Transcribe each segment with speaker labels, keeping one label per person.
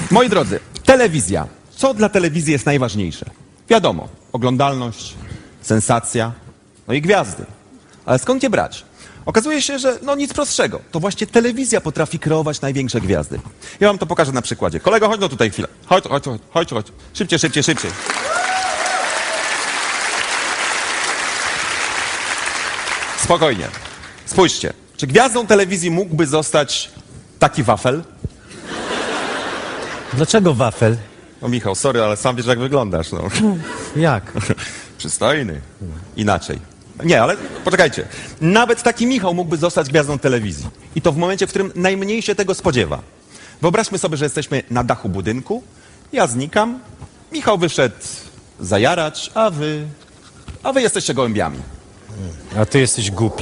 Speaker 1: Moi drodzy, telewizja. Co dla telewizji jest najważniejsze? Wiadomo, oglądalność, sensacja, no i gwiazdy. Ale skąd je brać? Okazuje się, że no nic prostszego. To właśnie telewizja potrafi kreować największe gwiazdy. Ja wam to pokażę na przykładzie. Kolego, chodź no tutaj chwilę. Chodź. Szybciej. Spokojnie. Spójrzcie. Czy gwiazdą telewizji mógłby zostać taki wafel?
Speaker 2: Dlaczego wafel?
Speaker 1: No Michał, sorry, ale sam wiesz jak wyglądasz, no.
Speaker 2: Jak?
Speaker 1: Przystojny. Inaczej. Nie, ale poczekajcie. Nawet taki Michał mógłby zostać gwiazdą telewizji. I to w momencie, w którym najmniej się tego spodziewa. Wyobraźmy sobie, że jesteśmy na dachu budynku, ja znikam, Michał wyszedł zajarać, a wy jesteście gołębiami.
Speaker 2: A ty jesteś głupi.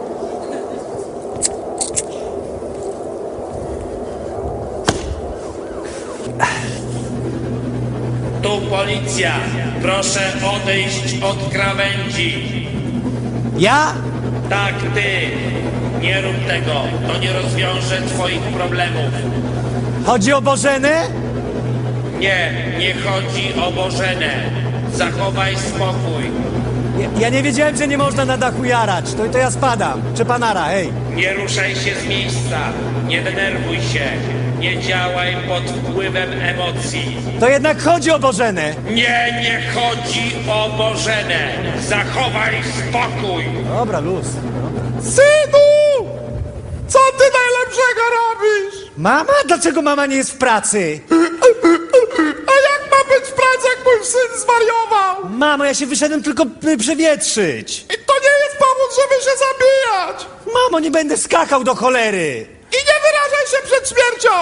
Speaker 3: Tu policja. Proszę odejść od krawędzi.
Speaker 2: Ja?
Speaker 3: Tak, ty. Nie rób tego. To nie rozwiąże twoich problemów.
Speaker 2: Chodzi o Bożenę?
Speaker 3: Nie chodzi o Bożenę. Zachowaj spokój.
Speaker 2: Ja nie wiedziałem, że nie można na dachu jarać. To ja spadam. Czepanara, hej.
Speaker 3: Nie ruszaj się z miejsca. Nie denerwuj się. Nie działaj pod wpływem emocji.
Speaker 2: To jednak chodzi o Bożenę.
Speaker 3: Nie chodzi o Bożenę. Zachowaj spokój.
Speaker 2: Dobra, luz.
Speaker 1: Synu! Co ty najlepszego robisz?
Speaker 2: Mama? Dlaczego mama nie jest w pracy?
Speaker 1: A jak ma być w pracy, jak mój syn zwariował?
Speaker 2: Mamo, ja się wyszedłem tylko przewietrzyć.
Speaker 1: I to nie jest powód, żeby się zabijać!
Speaker 2: Mamo, nie będę skakał do cholery.
Speaker 1: I nie wyrażaj się przed śmiercią!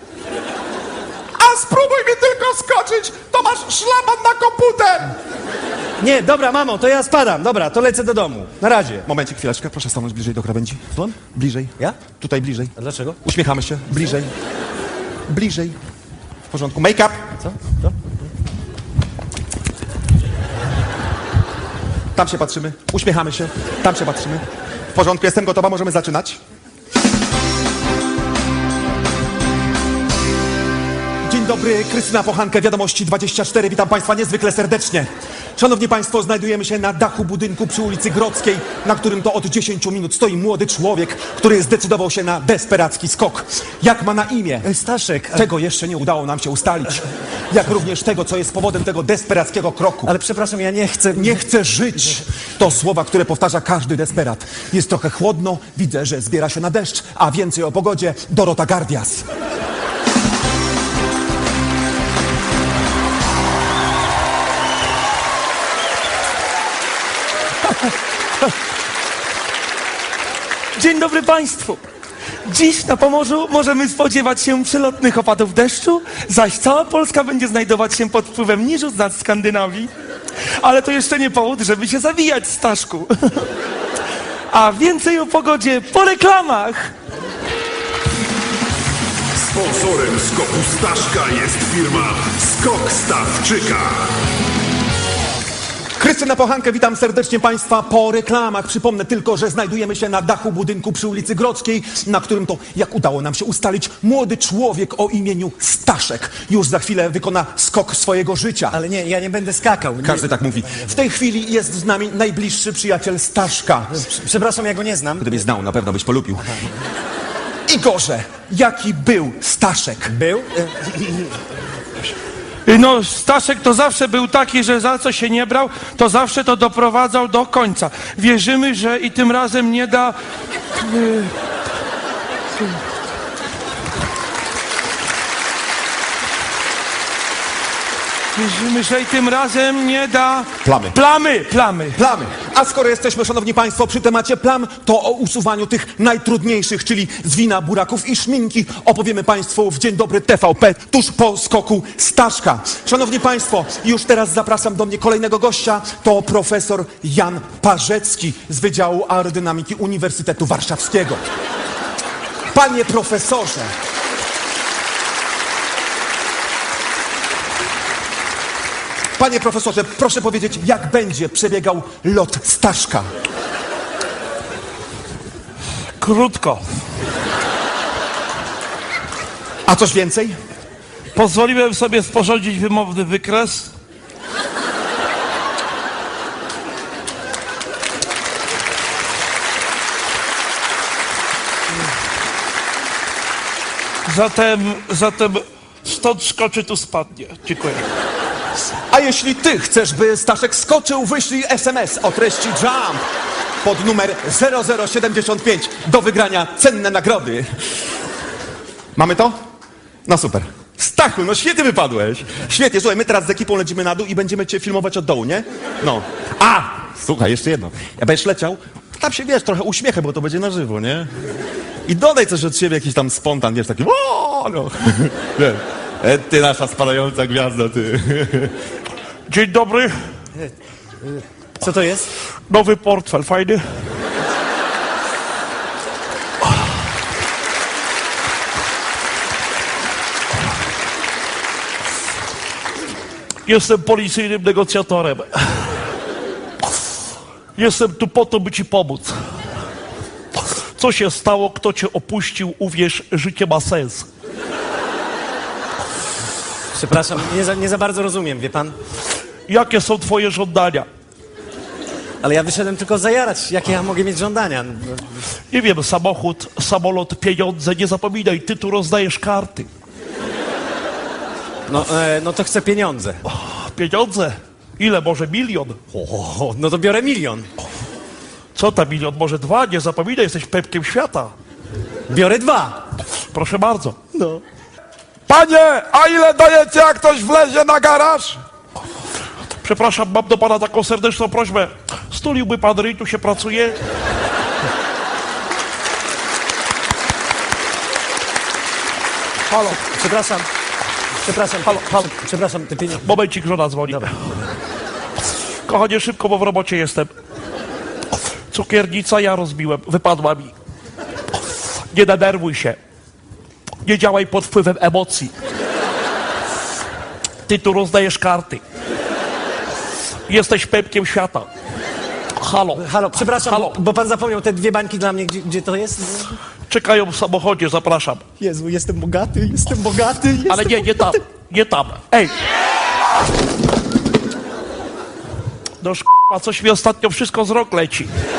Speaker 1: A spróbuj mi tylko skoczyć, to masz szlaban na komputer!
Speaker 2: Nie, dobra, mamo, to ja spadam. Dobra, to lecę do domu. Na razie.
Speaker 1: Momencik, chwileczkę, proszę stanąć bliżej do krawędzi.
Speaker 2: Dzwon?
Speaker 1: Bliżej.
Speaker 2: Ja?
Speaker 1: Tutaj bliżej.
Speaker 2: A dlaczego?
Speaker 1: Uśmiechamy się. Bliżej. Bliżej. W porządku. Make up.
Speaker 2: Co? To?
Speaker 1: Tam się patrzymy. Uśmiechamy się. Tam się patrzymy. W porządku, jestem gotowa, możemy zaczynać. Dzień dobry, Krystyna Pochankę, Wiadomości 24. Witam Państwa niezwykle serdecznie. Szanowni Państwo, znajdujemy się na dachu budynku przy ulicy Grodzkiej, na którym to od 10 minut stoi młody człowiek, który zdecydował się na desperacki skok. Jak ma na imię?
Speaker 2: Staszek.
Speaker 1: Czego jeszcze nie udało nam się ustalić. Jak również tego, co jest powodem tego desperackiego kroku.
Speaker 2: Ale przepraszam, ja nie chcę...
Speaker 1: Nie chcę żyć. To słowa, które powtarza każdy desperat. Jest trochę chłodno, widzę, że zbiera się na deszcz, a więcej o pogodzie Dorota Gardias.
Speaker 4: Dzień dobry Państwu. Dziś na Pomorzu możemy spodziewać się przelotnych opadów deszczu, zaś cała Polska będzie znajdować się pod wpływem niżu z nad Skandynawii. Ale to jeszcze nie powód, żeby się zawijać, Staszku. A więcej o pogodzie po reklamach.
Speaker 5: Sponsorem skoku Staszka jest firma Skok Stawczyka.
Speaker 1: Krystyna Pochankę, witam serdecznie Państwa po reklamach. Przypomnę tylko, że znajdujemy się na dachu budynku przy ulicy Grodzkiej, na którym to, jak udało nam się ustalić, młody człowiek o imieniu Staszek już za chwilę wykona skok swojego życia.
Speaker 2: Ale nie, ja nie będę skakał. Nie.
Speaker 1: Każdy tak mówi. W tej chwili jest z nami najbliższy przyjaciel Staszka.
Speaker 2: Przepraszam, ja go nie znam.
Speaker 1: Gdybyś znał, na pewno byś polubił. Igorze, jaki był Staszek?
Speaker 2: Był?
Speaker 4: No, Staszek to zawsze był taki, że za co się nie brał, to zawsze to doprowadzał do końca. Wierzymy, że i tym razem nie da... Wierzymy, że i tym razem nie da...
Speaker 1: Plamy.
Speaker 4: Plamy.
Speaker 1: A skoro jesteśmy, szanowni państwo, przy temacie plam, to o usuwaniu tych najtrudniejszych, czyli z wina, buraków i szminki, opowiemy państwu w Dzień Dobry TVP tuż po skoku Staszka. Szanowni państwo, już teraz zapraszam do mnie kolejnego gościa. To profesor Jan Parzecki z Wydziału Aerodynamiki Uniwersytetu Warszawskiego. Panie profesorze, panie profesorze, proszę powiedzieć, jak będzie przebiegał lot Staszka?
Speaker 4: Krótko.
Speaker 1: A coś więcej?
Speaker 4: Pozwoliłem sobie sporządzić wymowny wykres. Zatem stąd skoczy, tu spadnie. Dziękuję.
Speaker 1: A jeśli ty chcesz, by Staszek skoczył, wyślij SMS o treści JUMP pod numer 0075 do wygrania cenne nagrody. Mamy to? No super. Stachu, no świetnie wypadłeś. Świetnie, słuchaj, my teraz z ekipą lecimy na dół i będziemy cię filmować od dołu, nie? No. A! Słuchaj, jeszcze jedno. Jak będziesz leciał, tam się, wiesz, trochę uśmiechę, bo to będzie na żywo, nie? I dodaj coś od siebie, jakiś tam spontan, wiesz, taki o, no. Wiesz, ty nasza spadająca gwiazda, ty.
Speaker 4: Dzień dobry.
Speaker 2: Co to jest?
Speaker 4: Nowy portfel, fajny. Jestem policyjnym negocjatorem. Jestem tu po to, by ci pomóc. Co się stało? Kto cię opuścił? Uwierz, życie ma sens.
Speaker 2: Przepraszam, nie za bardzo rozumiem, wie pan?
Speaker 4: Jakie są twoje żądania?
Speaker 2: Ale ja wyszedłem tylko zajarać. Jakie ja mogę mieć żądania?
Speaker 4: Nie wiem, samochód, samolot, pieniądze. Nie zapominaj, ty tu rozdajesz karty.
Speaker 2: No to chcę pieniądze.
Speaker 4: Pieniądze? Ile? Może 1 000 000?
Speaker 2: O, no to biorę 1 000 000.
Speaker 4: Co tam 1 000 000? Może 2? Nie zapominaj, jesteś pepkiem świata.
Speaker 2: Biorę 2.
Speaker 4: Proszę bardzo.
Speaker 2: No.
Speaker 6: Panie, a ile dajecie, jak ktoś wlezie na garaż?
Speaker 4: Przepraszam, mam do pana taką serdeczną prośbę. Stuliłby pan ryj, tu się pracuje.
Speaker 2: Halo, przepraszam.
Speaker 4: Halo.
Speaker 2: Przepraszam, te pieniądze.
Speaker 4: Momencik, żona dzwoni.
Speaker 2: Dobra.
Speaker 4: Kochanie, szybko, bo w robocie jestem. Cukiernica ja rozbiłem, wypadła mi. Nie denerwuj się. Nie działaj pod wpływem emocji. Ty tu rozdajesz karty. Jesteś pepkiem świata. Halo.
Speaker 2: Przepraszam,
Speaker 4: Halo.
Speaker 2: bo pan zapomniał te 2 bańki dla mnie. Gdzie to jest?
Speaker 4: Czekają w samochodzie, zapraszam.
Speaker 2: Jezu, jestem bogaty.
Speaker 4: Ale nie tam. Ej! No a coś mi ostatnio wszystko z rąk leci.